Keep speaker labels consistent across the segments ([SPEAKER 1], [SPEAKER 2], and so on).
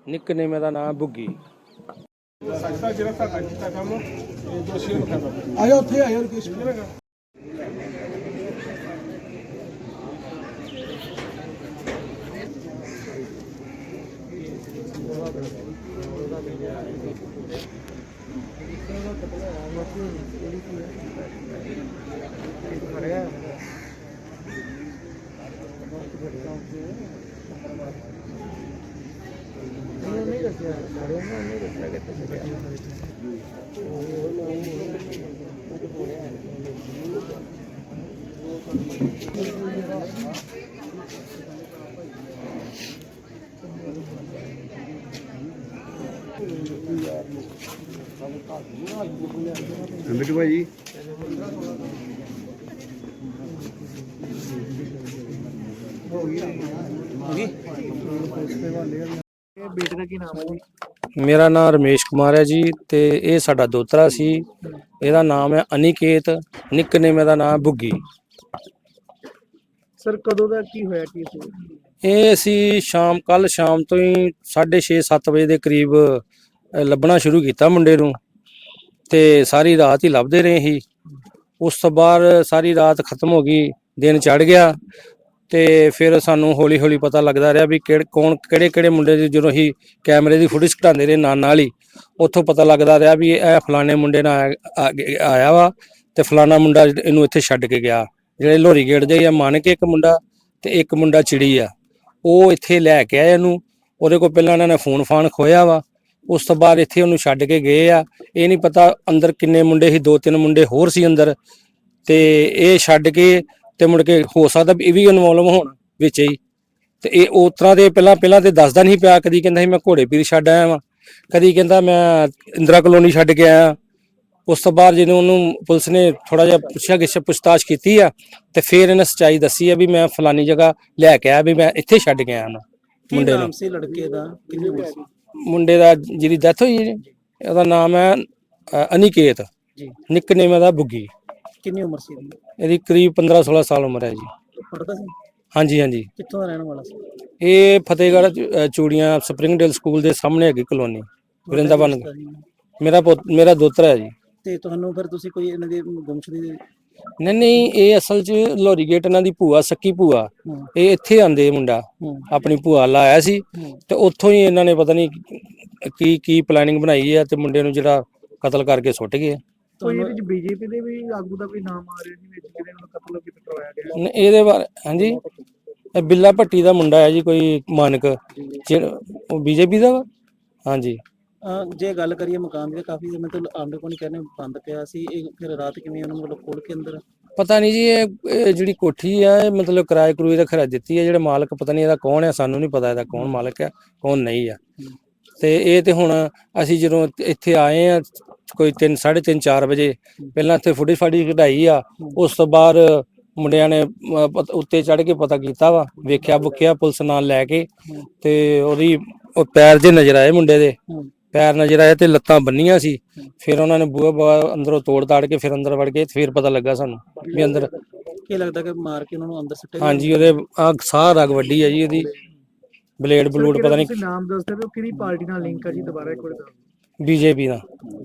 [SPEAKER 1] Nickname ਦਾ ਨਾਮ ਬੁੱਗੀ।
[SPEAKER 2] ਸਕਦਾ ਜਿਹੜਾ ਤੁਹਾਡਾ ਕੀਤਾ ਕੰਮ ਇਹ ਦੋਸ਼ੀਆਂ ਨੂੰ ਕਰਨਾ ਪਊਗਾ।
[SPEAKER 3] ਆਇਆ ਉੱਥੇ ਆਇਆ ਰਕੇਸ਼
[SPEAKER 4] ਬਿੱਟੂ ਭਾਈ
[SPEAKER 3] ਬੇਟੇ ਦਾ ਕੀ ਨਾਮ ਹੈ ਜੀ?
[SPEAKER 1] ਮੇਰਾ ਨਾਮ ਰਮੇਸ਼ ਕੁਮਾਰ ਹੈ ਜੀ ਤੇ ਇਹ ਸਾਡਾ ਦੋਤਰਾ ਸੀ। ਇਹਦਾ ਨਾਮ ਹੈ ਅਨਿਕੇਤ, ਨਿਕਨੇਮ ਦਾ ਨਾਮ ਬੁੱਗੀ।
[SPEAKER 3] ਸਰ ਕਦੋਂ ਦਾ ਕੀ ਹੋਇਆ ਕੀ ਸੀ?
[SPEAKER 1] ਇਹ ਅਸੀਂ ਕੱਲ ਸ਼ਾਮ ਤੋਂ ਹੀ 6:30-7 ਵਜੇ ਦੇ ਕਰੀਬ ਲੱਭਣਾ ਸ਼ੁਰੂ ਕੀਤਾ ਮੁੰਡੇ ਨੂੰ ਤੇ ਸਾਰੀ ਰਾਤ ਹੀ ਲੱਭਦੇ ਰਹੇ ਸੀ। ਉਸ ਤੋਂ ਬਾਅਦ ਸਾਰੀ ਰਾਤ ਖਤਮ ਹੋ ਗਈ, ਦਿਨ ਚੜ ਗਿਆ ਤੇ ਫਿਰ ਸਾਨੂੰ ਹੌਲੀ ਹੌਲੀ ਪਤਾ ਲੱਗਦਾ ਰਿਹਾ ਵੀ ਕਿਹੜੇ ਮੁੰਡੇ ਦੀ ਜਦੋਂ ਅਸੀਂ ਕੈਮਰੇ ਦੀ ਫੁਟੇਜ ਘਟਾਉਂਦੇ ਰਹੇ ਨਾਲ ਹੀ ਉੱਥੋਂ ਪਤਾ ਲੱਗਦਾ ਰਿਹਾ ਵੀ ਇਹ ਫਲਾਣੇ ਮੁੰਡੇ ਨਾਲ ਆਇਆ ਵਾ ਤੇ ਫਲਾਣਾ ਮੁੰਡਾ ਇਹਨੂੰ ਇੱਥੇ ਛੱਡ ਕੇ ਗਿਆ। ਜਿਹੜੇ ਲੋਹਰੀ ਗੇਟ ਦੇ ਆ ਮੰਨ ਕੇ ਇੱਕ ਮੁੰਡਾ ਤੇ ਇੱਕ ਮੁੰਡਾ ਚਿੜੀ ਆ, ਉਹ ਇੱਥੇ ਲੈ ਕੇ ਆਏ ਇਹਨੂੰ। ਉਹਦੇ ਕੋਲ ਪਹਿਲਾਂ ਇਹਨਾਂ ਨੇ ਫੋਨ ਖੋਇਆ ਵਾ, ਉਸ ਤੋਂ ਬਾਅਦ ਇੱਥੇ ਉਹਨੂੰ ਛੱਡ ਕੇ ਗਏ ਆ। ਇਹ ਨਹੀਂ ਪਤਾ ਅੰਦਰ ਕਿੰਨੇ ਮੁੰਡੇ ਸੀ, 2-3 ਮੁੰਡੇ ਹੋਰ ਸੀ ਅੰਦਰ ਤੇ ਇਹ ਛੱਡ ਕੇ ਤੇ ਮੁੜ ਕੇ ਹੋ ਸਕਦਾ ਇਹ ਵੀ ਇਨਵੋਲਵ ਹੋਣ ਵਿੱਚ ਹੀ। ਤੇ ਇਹ ਉਸ ਤਰ੍ਹਾਂ ਦੇ ਪਹਿਲਾਂ ਤੇ ਦੱਸਦਾ ਨਹੀਂ ਪਿਆ। ਕਦੀ ਕਹਿੰਦਾ ਸੀ ਮੈਂ ਘੋੜੇ ਪੀਰ ਛੱਡ ਆਇਆ ਵਾਂ, ਕਦੀ ਕਹਿੰਦਾ ਮੈਂ ਇੰਦਰਾ ਕਲੋਨੀ ਛੱਡ ਕੇ ਆਇਆ। ਉਸ ਤੋਂ ਬਾਅਦ ਜਦੋਂ ਉਹਨੂੰ ਪੁਲਿਸ ਨੇ ਥੋੜਾ ਜਿਹਾ ਪੁੱਛਤਾਛ ਕੀਤੀ ਆ ਤੇ ਫਿਰ ਇਹਨੇ ਸੱਚਾਈ ਦੱਸੀ ਆ ਵੀ ਮੈਂ ਫਲਾਨੀ ਜਗ੍ਹਾ ਲੈ ਕੇ ਆਇਆ, ਵੀ ਮੈਂ ਇੱਥੇ ਛੱਡ ਕੇ ਆਇਆ ਨਾ ਮੁੰਡੇ ਨੂੰ।
[SPEAKER 3] ਸੀ ਲੜਕੇ ਦਾ ਕਿੰਨੇ ਉਮਰ ਸੀ?
[SPEAKER 1] ਮੁੰਡੇ ਦਾ ਜਿਹਦੀ ਡੈਥ ਹੋਈ ਜੀ ਉਹਦਾ ਨਾਮ ਹੈ ਅਨਿਕੇਤ
[SPEAKER 3] ਜੀ,
[SPEAKER 1] ਨਿਕਨੇਮ ਦਾ ਬੁੱਗੀ।
[SPEAKER 3] ਕਿੰਨੀ ਉਮਰ ਸੀ ਇਹਦੀ?
[SPEAKER 1] ਇਹਦੀ ਕਰੀਬ 15-16 ਸਾਲ ਉਮਰ ਹੈ ਜੀ।
[SPEAKER 3] ਪੜਦਾ ਸੀ?
[SPEAKER 1] ਹਾਂਜੀ।
[SPEAKER 3] ਕਿੱਥੋਂ ਦਾ ਰਹਿਣ ਵਾਲਾ ਸੀ?
[SPEAKER 1] ਇਹ ਫਤਿਹਗੜ੍ਹ ਚੂੜੀਆਂ ਸਪਰਿੰਗਡੇਲ ਸਕੂਲ ਦੇ ਸਾਹਮਣੇ ਹੈਗੀ ਕਲੋਨੀ ਵਰਿੰਦਾਵਨ। ਮੇਰਾ ਦੋਤਰਾ ਹੈ ਜੀ।
[SPEAKER 3] ਤੇ ਤੁਹਾਨੂੰ ਫਿਰ ਤੁਸੀਂ ਕੋਈ ਇਹਨਾਂ ਦੀ ਗੁੰਮਸ਼ੁਦਗੀ?
[SPEAKER 1] ਨਹੀਂ, ਇਹ ਅਸਲ 'ਚ ਲੋਹਰੀ ਗੇਟ ਇਹਨਾਂ ਦੀ ਭੂਆ, ਸੱਕੀ ਭੂਆ, ਇਹ ਇੱਥੇ ਆਂਦੇ ਮੁੰਡਾ ਆਪਣੀ ਭੂਆ ਲਾਇਆ ਸੀ ਤੇ ਉੱਥੋਂ ਹੀ ਇਹਨਾਂ ਨੇ ਪਤਾ ਨਹੀਂ ਕੀ ਪਲੈਨਿੰਗ ਬਣਾਈ ਹੈ ਤੇ ਮੁੰਡੇ ਨੂੰ ਜਿਹੜਾ ਕਤਲ ਕਰਕੇ ਸੁੱਟ ਗਏ।
[SPEAKER 3] ਕੋਈ ਇਹਦੇ ਵਿੱਚ ਬੀਜੇਪੀ ਦੇ ਵੀ ਆਗੂ ਦਾ ਕੋਈ ਨਾਮ ਆ ਰਿਹਾ ਜੀ ਵਿੱਚ ਜਿਹਦੇ ਨੂੰ ਕਤਲ ਕਰਵਾਇਆ ਗਿਆ?
[SPEAKER 1] ਇਹਦੇ ਬਾਰੇ ਹਾਂਜੀ, ਇਹ ਬਿੱਲਾ ਭੱਟੀ ਦਾ ਮੁੰਡਾ ਹੈ ਜੀ, ਕੋਈ ਮਾਨਕ, ਉਹ ਬੀਜੇਪੀ ਦਾ ਵਾ। ਹਾਂਜੀ।
[SPEAKER 3] ਜੇ ਗੱਲ ਕਰੀਏ ਮਕਾਨ ਦੀ, ਕਾਫੀ ਮਤਲਬ ਆਂਡੇ ਕੋਲ ਕਹਿੰਦੇ ਬੰਦ ਪਿਆ ਸੀ, ਇਹ ਫਿਰ ਰਾਤ ਕਿਵੇਂ ਉਹਨੂੰ ਮਤਲਬ ਖੋਲ ਕੇ ਅੰਦਰ? ਪਤਾ
[SPEAKER 1] ਨਹੀਂ ਜੀ, ਇਹ ਜਿਹੜੀ ਕੋਠੀ ਆ ਇਹ ਮਤਲਬ ਕਿਰਾਏ ਕਰੂਏ ਦਾ ਖਰਾ ਦਿੱਤੀ ਹੈ। ਜਿਹੜੇ ਮਾਲਕ ਪਤਾ ਨਹੀਂ ਇਹਦਾ ਕੌਣ ਹੈ, ਸਾਨੂੰ ਨਹੀਂ ਪਤਾ ਇਹਦਾ ਕੌਣ ਮਾਲਕ ਹੈ ਕੌਣ ਨਹੀਂ ਆ। ਤੇ ਇਹ ਤੇ ਹੁਣ ਅਸੀਂ ਜਦੋਂ ਇੱਥੇ ਆਏ ਆ ਕੋਈ 3-3:30-4 ਵਜੇ, ਪਹਿਲਾਂ ਇੱਥੇ ਫਾੜੀ ਕਢਾਈ ਆ। ਉਸ ਤੋਂ ਬਾਅਦ ਮੁੰਡਿਆਂ ਨੇ ਉੱਤੇ ਚੜ੍ਹ ਕੇ ਪਤਾ ਕੀਤਾ ਵਾ, ਵੇਖਿਆ ਬੁੱਕਿਆ ਪੁਲਿਸ ਨਾਲ ਲੈ ਕੇ ਤੇ ਉਹਦੀ ਉਹ ਪੈਰ ਜੇ ਨਜ਼ਰ ਆਏ, ਮੁੰਡੇ ਦੇ ਪੈਰ ਨਜ਼ਰ ਆਏ ਤੇ ਲੱਤਾਂ ਬੰਨੀਆਂ ਸੀ। ਫਿਰ ਉਹਨਾਂ ਨੇ ਬੂਹਾ ਅੰਦਰੋਂ ਤੋੜ ਤਾੜ ਕੇ ਫਿਰ ਅੰਦਰ ਵੜ ਗਏ। ਫਿਰ ਪਤਾ ਲੱਗਾ ਸਾਨੂੰ ਵੀ ਅੰਦਰ
[SPEAKER 3] ਕੀ ਲੱਗਦਾ ਕਿ ਮਾਰ ਕੇ ਉਹਨਾਂ ਨੂੰ ਅੰਦਰ ਸੁੱਟੇ।
[SPEAKER 1] ਹਾਂਜੀ, ਉਹਦੇ ਸਾਹ ਰਗ ਵੱਡੀ ਹੈ ਜੀ, ਉਹਦੀ ਬਲੇਡ ਪਤਾ ਨਹੀਂ।
[SPEAKER 3] ਨਾਮ ਦੱਸਦੇ ਹੋ ਕਿਹੜੀ ਪਾਰਟੀ ਨਾਲ ਲਿੰਕ ਹੈ ਜੀ? ਦੁਬਾਰਾ ਇੱਕ ਵਾਰ ਦੱਸੋ।
[SPEAKER 1] ਬੀਜੇਪੀ ਦਾ।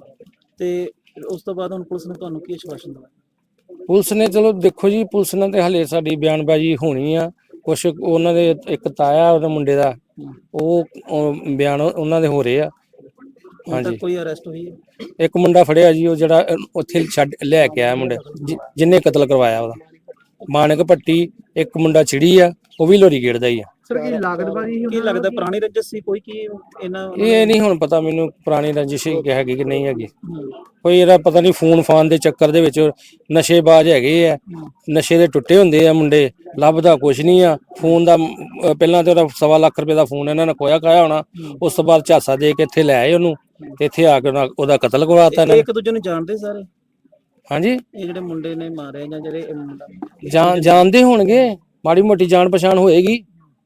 [SPEAKER 3] ਤੇ ਉਸ ਤੋਂ ਬਾਅਦ ਹੁਣ ਪੁਲਿਸ ਨੇ ਤੁਹਾਨੂੰ ਕੀ ਆਸ਼ਵਾਸਨ ਦਿੱਤਾ?
[SPEAKER 1] ਪੁਲਿਸ ਨੇ ਚਲੋ ਦੇਖੋ ਜੀ, ਪੁਲਿਸ ਨਾਲ ਤੇ ਹਲੇ ਸਾਡੀ ਬਿਆਨਬਾਜ਼ੀ ਹੋਣੀ ਆ। ਕੁਛ ਉਹਨਾਂ ਦੇ ਇੱਕ ਤਾਇਆ ਉਹਦੇ ਮੁੰਡੇ ਦਾ, ਉਹ ਬਿਆਨ ਉਹਨਾਂ ਦੇ ਹੋ ਰਹੇ ਆ। ਹਾਂਜੀ।
[SPEAKER 3] ਕੋਈ ਅਰੈਸਟ ਹੋਈ ਹੈ?
[SPEAKER 1] ਇੱਕ ਮੁੰਡਾ ਫੜਿਆ ਜੀ, ਉਹ ਜਿਹੜਾ ਉੱਥੇ ਛੱਡ ਲੈ ਕੇ ਆਇਆ ਮੁੰਡੇ ਜਿਹਨੇ ਕਤਲ ਕਰਵਾਇਆ, ਉਹਦਾ ਮਾਨਕ ਭੱਟੀ। ਇੱਕ ਮੁੰਡਾ ਚਿੜੀ ਆ, ਉਹ ਵੀ ਲੋਹਰੀ ਗੇਟ ਦਾ ਹੀ ਆ।
[SPEAKER 3] ਸਰ ਕੀ ਲੱਗਦਾ ਪੁਰਾਣੀ ਰੰਜਿਸ਼ ਸੀ ਕੋਈ? ਕੀ ਇਹਨਾਂ
[SPEAKER 1] ਇਹ ਨਹੀਂ ਹੁਣ ਪਤਾ ਮੈਨੂੰ ਪੁਰਾਣੀ ਰੰਜਿਸ਼ ਹੈਗੀ ਕਿ ਨਹੀਂ ਹੈਗੀ। ਕੋਈ ਇਹਦਾ ਪਤਾ ਨਹੀਂ, ਫੋਨ ਦੇ ਚੱਕਰ ਦੇ ਵਿੱਚ ਨਸ਼ੇਬਾਜ਼ ਹੈਗੇ ਆ, ਨਸ਼ੇ ਦੇ ਟੁੱਟੇ ਹੁੰਦੇ ਆ ਮੁੰਡੇ, ਲੱਭਦਾ ਕੁਛ ਨਹੀਂ ਆ। ਫੋਨ ਦਾ ਪਹਿਲਾਂ ਤੇ ਉਹਦਾ 1.25 ਲੱਖ ਰੁਪਏ ਦਾ ਫੋਨ ਇਹਨਾਂ ਨੇ ਖੋਇਆ ਖਾਇਆ ਹੋਣਾ। ਉਸ ਤੋਂ ਬਾਅਦ ਝਾਸਾ ਦੇ ਕੇ ਇੱਥੇ ਲੈ ਆਏ ਉਹਨੂੰ ਤੇ ਇੱਥੇ ਆ ਕੇ ਉਹਦਾ ਕਤਲ ਕਰਵਾਤਾ।
[SPEAKER 3] ਇੱਕ ਦੂਜੇ ਨੂੰ ਜਾਣਦੇ ਸਾਰੇ?
[SPEAKER 1] ਹਾਂਜੀ।
[SPEAKER 3] ਇਹ ਜਿਹੜੇ ਮੁੰਡੇ ਨੇ ਮਾਰੇ ਜਾਂ ਜਿਹੜੇ
[SPEAKER 1] ਜਾਣਦੇ ਹੋਣਗੇ, ਮਾੜੀ ਮੋਟੀ ਜਾਣ ਪਛਾਣ ਹੋਏਗੀ।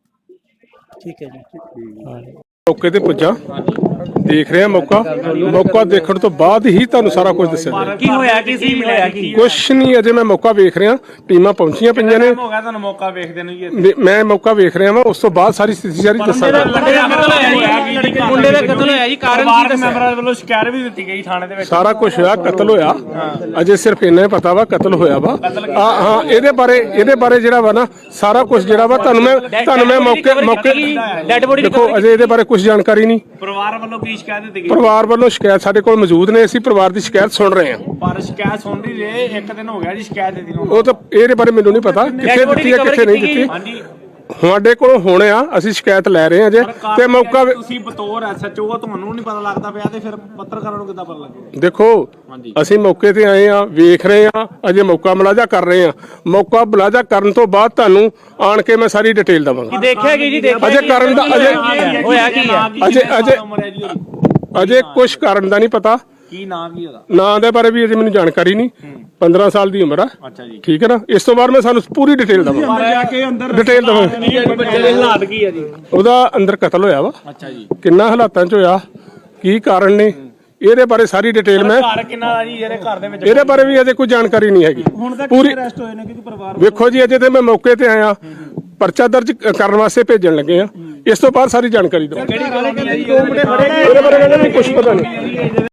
[SPEAKER 3] ਠੀਕ ਹੈ ਜੀ।
[SPEAKER 2] ਮੌਕੇ ਤੇ ਪੁੱਜਾ, ਦੇਖ ਰਿਹਾ ਮੌਕਾ ਦੇਖਣ ਤੋਂ ਬਾਅਦ ਹੀ ਤੁਹਾਨੂੰ ਸਾਰਾ ਕੁਝ ਦੱਸਿਆ।
[SPEAKER 5] ਕੀ ਹੋਇਆ, ਕੀ ਸੀ ਮਿਲਿਆ, ਕੀ
[SPEAKER 2] ਕੁਛ ਨਹੀਂ, ਅਜੇ ਮੈਂ ਮੌਕਾ ਵੇਖ ਰਿਹਾ। ਟੀਮਾਂ ਪਹੁੰਚੀਆਂ ਪਈਆਂ ਨੇ।
[SPEAKER 5] ਹੋ ਗਿਆ ਤੁਹਾਨੂੰ ਮੌਕਾ ਵੇਖਦੇ ਨੂੰ ਜੀ?
[SPEAKER 2] ਮੈਂ ਮੌਕਾ ਵੇਖ ਰਿਹਾ ਵਾਂ, ਉਸ ਤੋਂ ਬਾਅਦ ਸਾਰੀ ਸਥਿਤੀ ਦੱਸਾਂਗਾ।
[SPEAKER 5] ਜਿਹੜਾ ਕਤਲ ਹੋਇਆ ਜੀ ਕਾਰਨ ਕੀ ਮੈਂਬਰਾਂ ਵੱਲੋਂ ਸ਼ਿਕਾਇਤ ਵੀ ਦਿੱਤੀ ਗਈ ਥਾਣੇ ਦੇ ਵਿੱਚ।
[SPEAKER 2] ਸਾਰਾ ਕੁਝ ਹੋਇਆ, ਕਤਲ ਹੋਇਆ, ਅਜੇ ਸਿਰਫ ਇੰਨਾ ਹੀ ਪਤਾ ਵਾ ਕਤਲ ਹੋਇਆ ਵਾ। ਹਾਂ ਇਹਦੇ ਬਾਰੇ ਜਿਹੜਾ ਵਾ ਨਾ ਸਾਰਾ ਕੁਝ ਜਿਹੜਾ ਵਾ ਤੁਹਾਨੂੰ ਮੈਂ ਮੌਕੇ
[SPEAKER 5] ਡੈਡ ਬੋਡੀ
[SPEAKER 2] ਦੇਖੋ ਅਜੇ ਇਹਦੇ ਬਾਰੇ ਕੁਝ ਜਾਣਕਾਰੀ ਨਹੀਂ।
[SPEAKER 5] ਪਰਿਵਾਰ ਵੱਲੋਂ ਕੀ ਸ਼ਿਕਾਇਤ ਦਿੱਤੀ ਗਈ?
[SPEAKER 2] ਪਰਿਵਾਰ ਵੱਲੋਂ ਸ਼ਿਕਾਇਤ ਸਾਡੇ ਕੋਲ ਮੌਜੂਦ ਨੇ, ਅਸੀਂ ਪਰਿਵਾਰ ਦੀ ਸ਼ਿਕਾਇਤ ਸੁਣ ਰਹੇ ਹਾਂ।
[SPEAKER 5] ਪਰ ਸ਼ਿਕਾਇਤ ਸੁਣ ਰਹੀ ਰਹੇ, ਇੱਕ ਦਿਨ ਹੋ ਗਿਆ ਜੀ ਸ਼ਿਕਾਇਤ ਦਿੱਤੀ ਨੂੰ।
[SPEAKER 2] ਉਹ ਤਾਂ ਇਹਦੇ ਬਾਰੇ ਮੈਨੂੰ ਨਹੀਂ ਪਤਾ ਕਿੱਥੇ ਦਿੱਤੀ ਹੈ ਕਿੱਥੇ ਨਹੀਂ ਦਿੱਤੀ।
[SPEAKER 5] ਹਾਂਜੀ
[SPEAKER 2] ਸਾਡੇ ਕੋਲ ਹੁਣ ਆ, ਅਸੀਂ ਸ਼ਿਕਾਇਤ ਲੈ ਰਹੇ ਹਾਂ ਜੇ ਤੇ ਮੌਕਾ
[SPEAKER 5] ਤੁਸੀਂ ਬਤੌਰ ਐਸਐਚਓ ਤੁਹਾਨੂੰ ਨਹੀਂ ਪਤਾ ਲੱਗਦਾ ਪਿਆ ਤੇ ਫਿਰ ਪੱਤਰਕਾਰਾਂ ਨੂੰ ਕਿੱਦਾਂ ਪਤਾ ਲੱਗੇਗਾ?
[SPEAKER 2] ਦੇਖੋ ਅਸੀਂ ਮੌਕੇ ਤੇ ਆਏ ਆ, ਵੇਖ ਰਹੇ ਆ, ਅਜੇ ਮੌਕਾ ਮੁਲਾਜ਼ਾ ਕਰ ਰਹੇ ਆ। ਮੌਕਾ ਮੁਲਾਜ਼ਾ ਕਰਨ ਤੋਂ ਬਾਅਦ ਤੁਹਾਨੂੰ ਆਣ ਕੇ ਮੈਂ ਸਾਰੀ ਡਿਟੇਲ ਦਵਾਂਗਾ।
[SPEAKER 5] ਦੇਖਿਆ ਗਈ ਜੀ, ਦੇਖਿਆ
[SPEAKER 2] ਅਜੇ ਕਰਨ ਦਾ
[SPEAKER 5] ਹੋਇਆ ਕੀ ਆ?
[SPEAKER 2] ਅਜੇ ਕੁਝ ਕਰਨ ਦਾ ਨਹੀਂ ਪਤਾ।
[SPEAKER 5] ਕੀ ਨਾਮ ਕੀ ਉਹਦਾ?
[SPEAKER 2] ਨਾਂ ਦੇ ਬਾਰੇ ਵੀ ਅਜੇ ਮੈਨੂੰ ਜਾਣਕਾਰੀ ਨਹੀਂ। 15 ਸਾਲ ਦੀ ਉਮਰ ਆ।
[SPEAKER 5] ਅੱਛਾ ਜੀ,
[SPEAKER 2] ਠੀਕ ਹੈ ਨਾ। ਇਸ ਤੋਂ ਬਾਅਦ ਮੈਂ ਸਾਨੂੰ ਪੂਰੀ ਡਿਟੇਲ ਦਵਾਂਗਾ। ਡਿਟੇਲ ਦਵਾਂਗਾ।
[SPEAKER 5] ਬੱਚੇ ਦੇ ਹਾਲਾਤ ਕੀ ਆ ਜੀ?
[SPEAKER 2] ਉਹਦਾ ਅੰਦਰ ਕਤਲ ਹੋਇਆ ਵਾ।
[SPEAKER 5] ਅੱਛਾ ਜੀ,
[SPEAKER 2] ਕਿੰਨਾ ਹਾਲਾਤਾਂ 'ਚ ਹੋਇਆ, ਕੀ ਕਾਰਨ ਨੇ, ਇਹਦੇ ਬਾਰੇ ਸਾਰੀ ਡਿਟੇਲ ਮੈਂ
[SPEAKER 5] ਘਰ ਕਿੰਨਾ ਦਾ ਜੀ ਜਿਹੜੇ ਘਰ ਦੇ ਵਿੱਚ?
[SPEAKER 2] ਇਹਦੇ ਬਾਰੇ ਵੀ ਅਜੇ ਕੋਈ ਜਾਣਕਾਰੀ ਨਹੀਂ ਹੈਗੀ ਪੂਰੀ।
[SPEAKER 3] ਅਰੈਸਟ ਹੋਏ ਨੇ ਕਿਉਂਕਿ ਪਰਿਵਾਰ
[SPEAKER 2] ਵੇਖੋ ਜੀ ਅਜੇ ਤੇ ਮੈਂ ਮੌਕੇ ਤੇ ਆਇਆ, ਪਰਚਾ ਦਰਜ ਕਰਨ ਵਾਸਤੇ ਭੇਜਣ ਲੱਗੇ ਆ। ਇਸ ਤੋਂ ਬਾਅਦ ਸਾਰੀ ਜਾਣਕਾਰੀ ਦਵਾਂਗਾ।
[SPEAKER 5] ਕਿਹੜੀ ਗੱਲ ਹੈ ਜੀ?
[SPEAKER 2] ਇਹਦੇ ਬਾਰੇ ਮੈਨੂੰ ਕੁਝ ਪਤਾ ਨਹੀਂ।